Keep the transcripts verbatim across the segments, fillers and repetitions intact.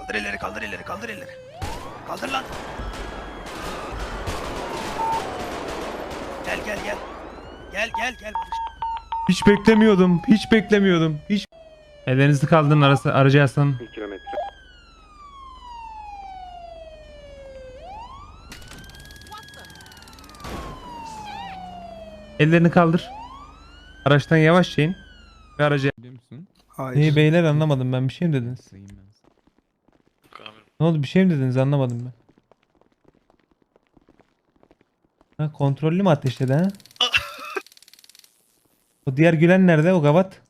Kaldır elleri, kaldır elleri, kaldır elleri. Kaldır lan. Gel gel gel. Gel gel gel Barış. Hiç beklemiyordum. Hiç beklemiyordum. Hiç. Ellerinizi kaldırın arası aracı yaslanın. bir kilometre. Ellerini kaldır. Araçtan yavaşça in. Ve aracı. Biliyor musun? Hayır. İyi beyler anlamadım ben. Bir şey mi dediniz? Sayayım ben. Ne oldu? Bir şey mi dediniz? Anlamadım ben. Ha, kontrollü mü ateşledi ha? O diğer gülen nerede? O gavat.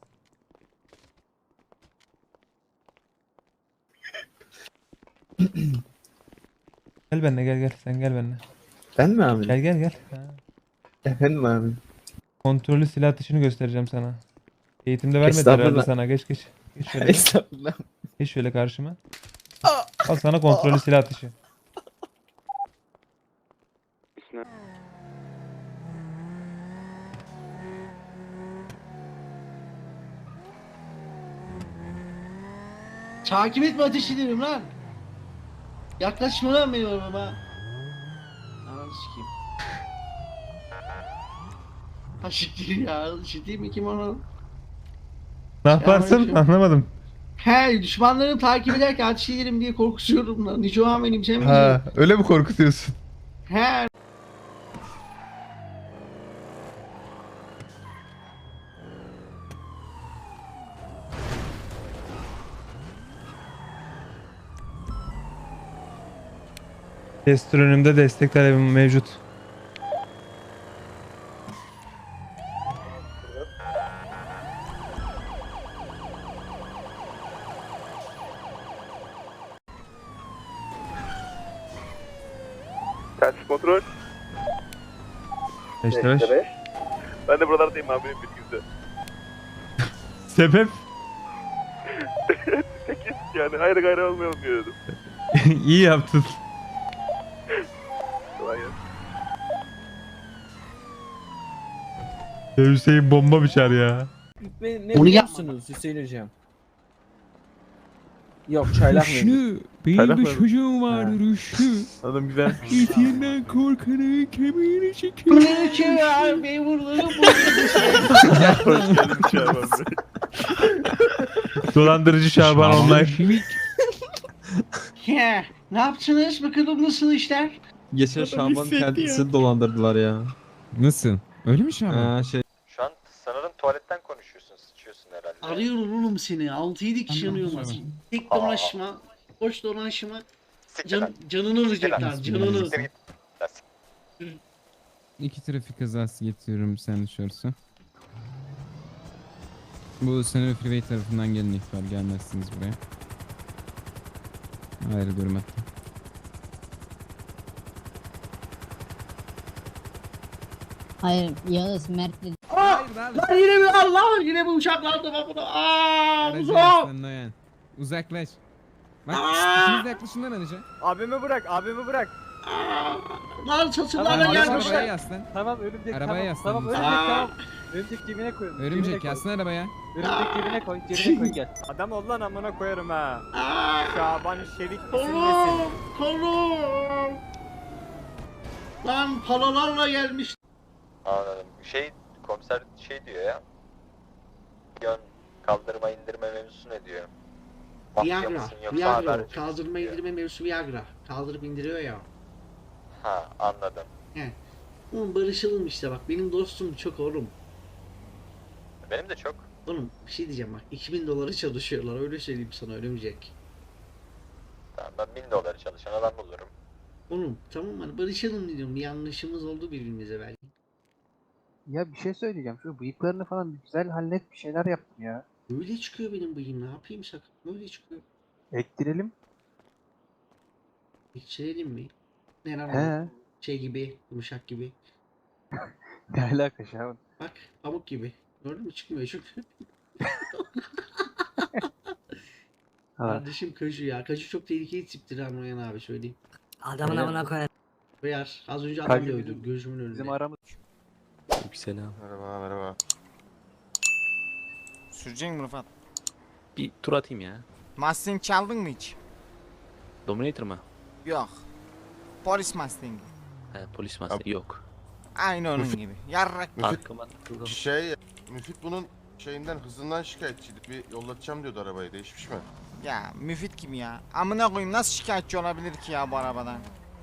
Gel benimle gel gel. Sen gel benimle. Ben mi abi? Gel gel gel. Ha. Efendim abi. Kontrollü silah atışını göstereceğim sana. Eğitimde vermedi Estağfurullah. herhalde sana. Geç geç. Geç şöyle. Estağfurullah. Geç şöyle karşıma. Al sana kontrollü silah atışı. Takip etme ateş ederim lan. Yaklaşma lan benim arabama. Ananı sikeyim. Ha siktir ya. Ciddi mi kim onu? Ne yaparsın? Selamünaleyküm. Anlamadım. He düşmanlarını takip ederken ateş ederim diye korkutuyorum lan. Nico an benim sen Ha, öyle mi korkutuyorsun? He. Test önümde destek talebim mevcut. Telsiz kontrol. beşte beş. Ben de buralardayım abi bilginize. Sebep? sekiz yani ayrı gayrı olmayalım diyordum. İyi yaptın. Kolay gelsin. Ya Hüseyin bomba biçer ya. Ne, ne Onu biliyor yapma. musunuz Hüseyin hocam? Yok çaylak mı? Rüştü. Benim Çaylak bir mı? çocuğum vardı Rüştü. Adam güzel. İtinden korkanı kemiğini çekiyor. Bunları kim ya? Memurları bu. Hoş geldin Şaban Bey. Dolandırıcı Şaban online. Şimik. He. Ne yaptınız? Bakalım nasıl işler? Geçen Şaban kendisini dolandırdılar ya. Nasıl? Öyle mi Şaban? Ha şey. Şu an sanırım tuvaletten konuşuyorsun, sıçıyorsun herhalde. Arıyorum oğlum seni. altı yedi kişi Anladım, arıyorlar. tamam. Tek dolaşma. Boş dolaşma. Siktir lan. Can, canını alacaklar. Siktir Canını. lan. Siktir git. Lan sik- İki trafik kazası getiriyorum sen dışarısı. Bu Senör Freeway tarafından gelen ihbar, gelmezsiniz buraya. Ayrılıyorum hatta. Hayır Yağız Mert'le Aa! Lan yine mi? Allah! Yine mi uçaklar da bak. Aaa! Aracı Uzak! yaslan Noyan. Uzaklaş. Bak Aa! ikiniz de yaklaşın lan araca. Abimi bırak, abimi bırak. Aa! Lan çatırlarla Tamam, arabaya gelmişler. yaslan. Tamam örümcek Arabaya tamam. yaslan. Tamam lütfen. örümcek Aa! tamam. Örümcek cebine koy. Örümcek yaslan arabaya. Örümcek cebine koy, cebine koy gel. Adam ol lan amına koyarım ha. Aa! Şaban Şerik Kolum! Kolum! Lan palalarla gelmiş. Anladım. Şey, komiser şey diyor ya. Yön kaldırma indirme mevzusu ne diyor? Mafya Viagra. mısın yoksa Viagra. haberci misin Kaldırma diyor. indirme mevzusu Viagra. Kaldırıp indiriyor ya. Ha, anladım. Oğlum barışalım işte bak. Benim dostum çok oğlum. Benim de çok. Oğlum bir şey diyeceğim bak. iki bin dolara çalışıyorlar. Öyle söyleyeyim sana ölümcek. Tamam, ben bin doları çalışan adam bulurum. Oğlum tamam hani barışalım diyorum. Bir yanlışımız oldu birbirimize belki. Ya bir şey söyleyeceğim. Şu bıyıklarını falan güzel hallet bir şeyler yaptım ya. Böyle çıkıyor benim bıyığım. Ne yapayım sakın. Böyle çıkıyor. Ektirelim. Geçirelim mi? Ne lan? He. Şey gibi. Yumuşak gibi. Ne alaka Şaban? Bak pamuk gibi. Gördün mü çıkmıyor çünkü. Ha. Kardeşim Kaju ya. Kaju çok tehlikeli tiptir ha Noyan abi söyleyeyim. adamın amına koyar. Beyar az önce adam Kaju dövdü bizim- gözümün önünde. Bizim aramız. Selam. Merhaba merhaba. Sürecek mi Rıfat? Bir tur atayım ya. Mustang çaldın mı hiç? Dominator mı? Yok. Polis Mustang'i. He, polis master yok. Aynı onun gibi. Yarrak. Arkama takıldım. Şey, Müfit bunun şeyinden hızından şikayetçiydi. Bir yollatacağım diyordu arabayı. Değişmiş mi? Ya Müfit kim ya? Amına koyayım nasıl şikayetçi olabilir ki ya bu arabadan?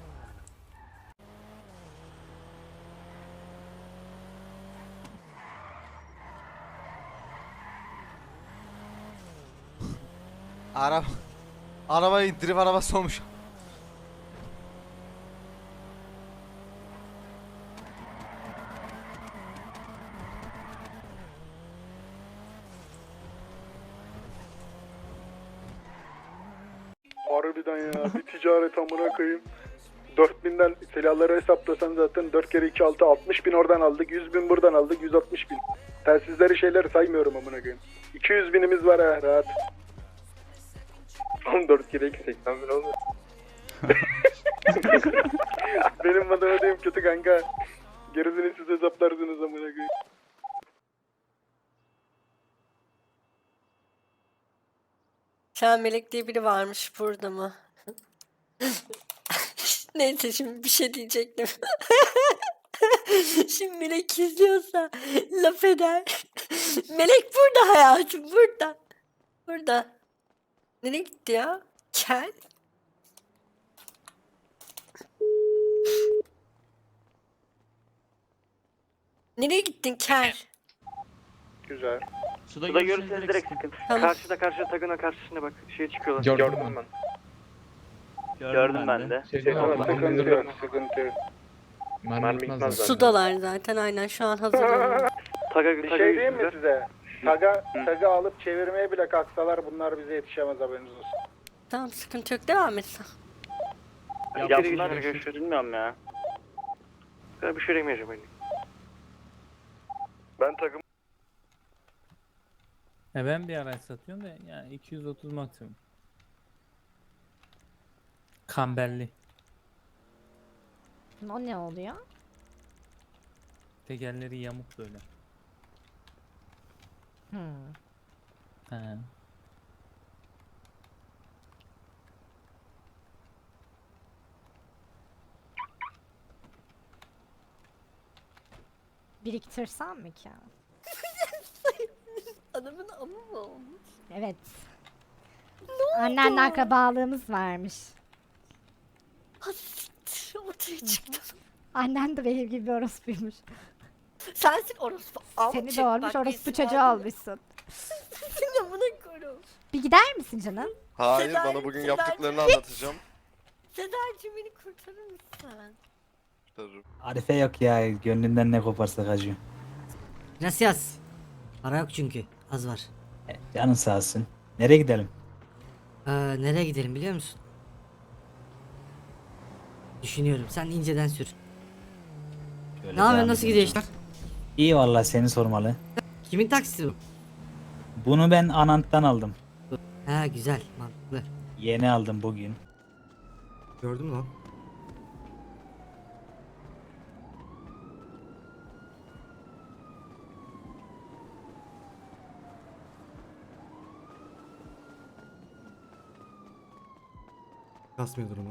Araba Arabayı drift arabası olmuş. Harbiden ya. Bir ticaret amına koyayım. dört binden silahları hesaplasan zaten dört kere iki altı altmış bin oradan aldık. yüz bin buradan aldık. yüz altmış bin. Telsizleri şeyleri saymıyorum amına koyayım. iki yüz binimiz var ha rahat. on dört kere iki seksen bin oldu. Benim matematiğim kötü kanka. Gerisini siz hesaplarsınız amına koyayım. Sen Melek diye biri varmış burada mı? Neyse şimdi bir şey diyecektim. Şimdi Melek izliyorsa laf eder. Melek burada hayatım burada. Burada. Nereye gitti ya? Gel. Nereye gittin Ker? Güzel. Suda görürseniz direkt sıkın. Tamam. Karşıda karşıda takına karşısına bak şey çıkıyorlar. Gördüm ben. Gördüm ben de. Sıkıntı yok, sıkıntı yok. Mermi gitmez zaten. Sudalar zaten aynen şu an hazırlanıyor. Taga Bir şey diyeyim mi size? Taga, taga alıp çevirmeye bile kalksalar bunlar bize yetişemez haberiniz olsun. Tamam sıkıntı yok devam et sen. Ya bunlar görüşürüz bilmiyorum ya. Ben bir şey demeyeceğim öyle. Ben takım E ben bir araç satıyorum da yani iki yüz otuz maksimum. Kamberli. O ne oluyor? Tekerleri yamuk böyle. Hmm. He. Biriktirsem mi ki? Adamın amı mı olmuş? Evet. Annenle akrabalığımız varmış. Hassiktir ortaya çıktı. Annen de benim gibi bir orospuymuş. Sensin orospu. Seni doğurmuş orospu çocuğu olmuşsun. Seni amına koyayım. Bir gider misin canım? Hayır Sedar- bana bugün Sedar- yaptıklarını anlatacağım. Sedacığım beni kurtarır mısın? Arife yok ya. Gönlünden ne koparsa kaçıyor. Nasıl yaz? Para yok çünkü. Az var. Canın sağ olsun. Nereye gidelim? Ee, nereye gidelim biliyor musun? Düşünüyorum. Sen inceden sür. Şöyle Ne yapıyorsun? devam Nasıl edelim. gidiyor işler? İyi vallahi seni sormalı. Kimin taksisi bu? Bunu ben Anant'tan aldım. Ha güzel. Mantıklı. Yeni aldım bugün. Gördün mü lan? Kasmıyor durumu.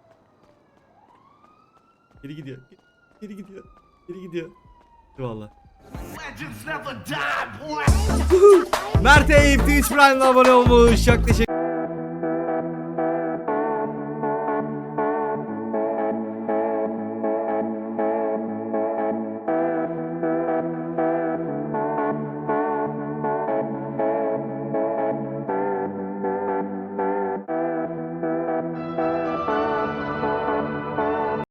Geri gidiyor. Geri gidiyor. Geri gidiyor. Eyvallah. Mert Eyüp Twitch Prime'la abone olmuş. Çok teşekkür